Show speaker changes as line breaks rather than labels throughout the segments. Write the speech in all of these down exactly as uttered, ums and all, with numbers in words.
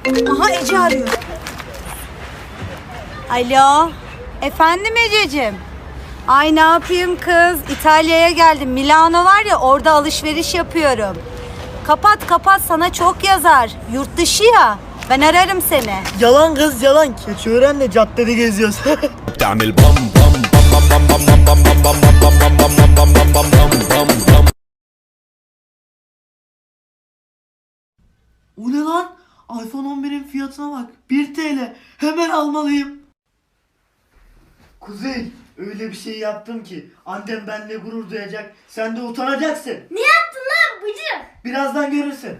Aha Ece arıyor. Alo. Efendim Ececiğim. Ay ne yapayım kız? İtalya'ya geldim. Milano var ya, orada alışveriş yapıyorum. Kapat kapat, sana çok yazar. Yurt dışı ya. Ben ararım seni.
Yalan kız yalan. Keçiören'le caddede geziyoruz.
تعمل بام بام بام بام بام بام بام بام بام بام بام بام بام بام بام بام بام بام.
O ne lan? iPhone on birin fiyatına bak. bir TL. Hemen almalıyım. Kuzey, öyle bir şey yaptım ki annem benimle gurur duyacak. Sen de utanacaksın.
Ne yaptın lan bıcık?
Birazdan görürsün.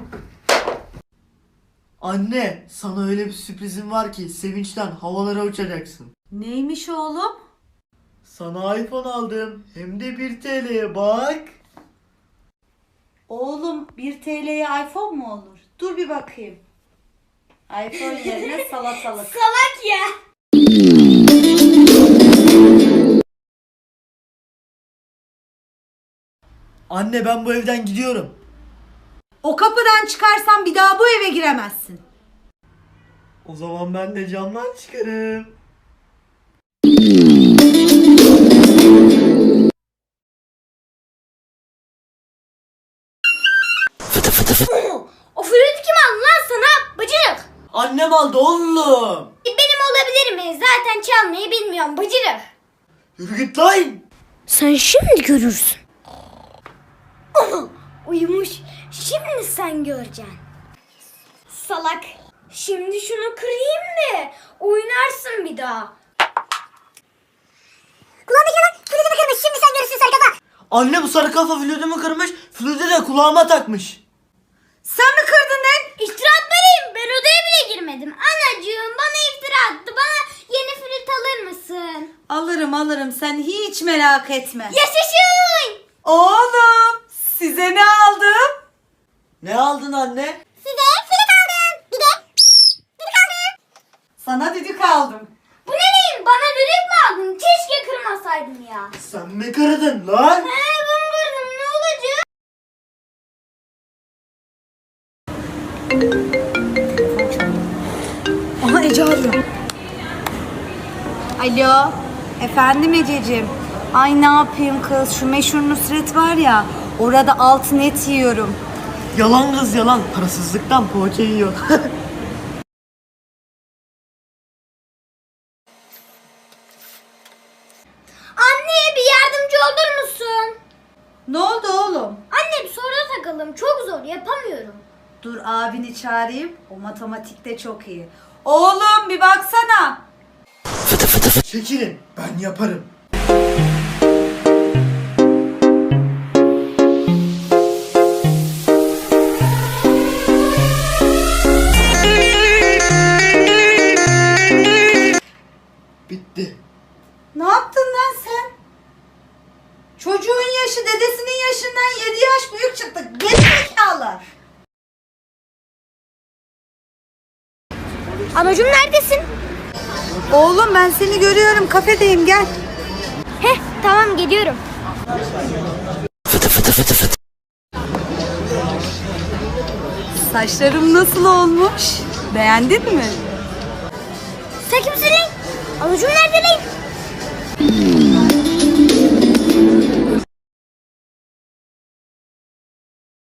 Anne, sana öyle bir sürprizim var ki sevinçten havalara uçacaksın.
Neymiş oğlum?
Sana iPhone aldım. Hem de bir TL'ye bak.
Oğlum bir T L'ye iPhone mu olur? Dur bir bakayım. iPhone yerine salatalık.
Salak ya.
Anne, ben bu evden gidiyorum.
O kapıdan çıkarsan bir daha bu eve giremezsin.
O zaman ben de camdan çıkarım.
O flütü kim aldı lan sana bıcık?
Annem aldı oğlum.
Benim olabilir mi? Zaten çalmayı bilmiyorum bıcık.
Yürü git lan.
Sen şimdi görürsün. Uyumuş. Şimdi sen göreceksin. Salak. Şimdi şunu kırayım da oynarsın bir daha. Kulağındaki lan flütümü kırmış. Şimdi sen görürsün sarı kafa.
Anne, bu sarı kafa flütümü kırmış. Flütü de kulağıma takmış.
Sen mi kırdın lan?
İftira atmalıyım. Ben odaya bile girmedim. Anacığım bana iftira attı. Bana yeni flüt alır mısın?
Alırım alırım, sen hiç merak etme.
Yaşasın.
Oğlum size ne aldım?
Ne aldın anne?
Size flüt aldım. Bir de flüt aldım.
Sana düdük aldım.
Bu ne diyeyim? Bana düdük mü aldın? Keşke kırmasaydın ya.
Sen mi kırdın lan?
He ben kırdım. Ne olacak?
Aha Ece arıyor. Alo. Efendim Ececiğim. Ay ne yapayım kız, şu meşhur Nusret var ya, orada altın et yiyorum.
Yalan kız yalan. Parasızlıktan poğaça yiyor.
Anne bir yardımcı olur musun?
Ne oldu oğlum?
Anne bir soruya takalım. Çok zor yapamıyorum.
Dur abini çağırayım. O matematikte çok iyi. Oğlum bir baksana.
Çekilin. Ben yaparım. Bitti.
Ne yaptın lan sen? Çocuğun yaşı dedesinin yaşından yedi yaş büyük çıktı. Gerizekalı.
Anacığım neredesin?
Oğlum ben seni görüyorum, kafedeyim, gel.
Heh tamam geliyorum.
Saçlarım nasıl olmuş? Beğendin mi?
Sen kimsin lan? Anacığım nerede lan?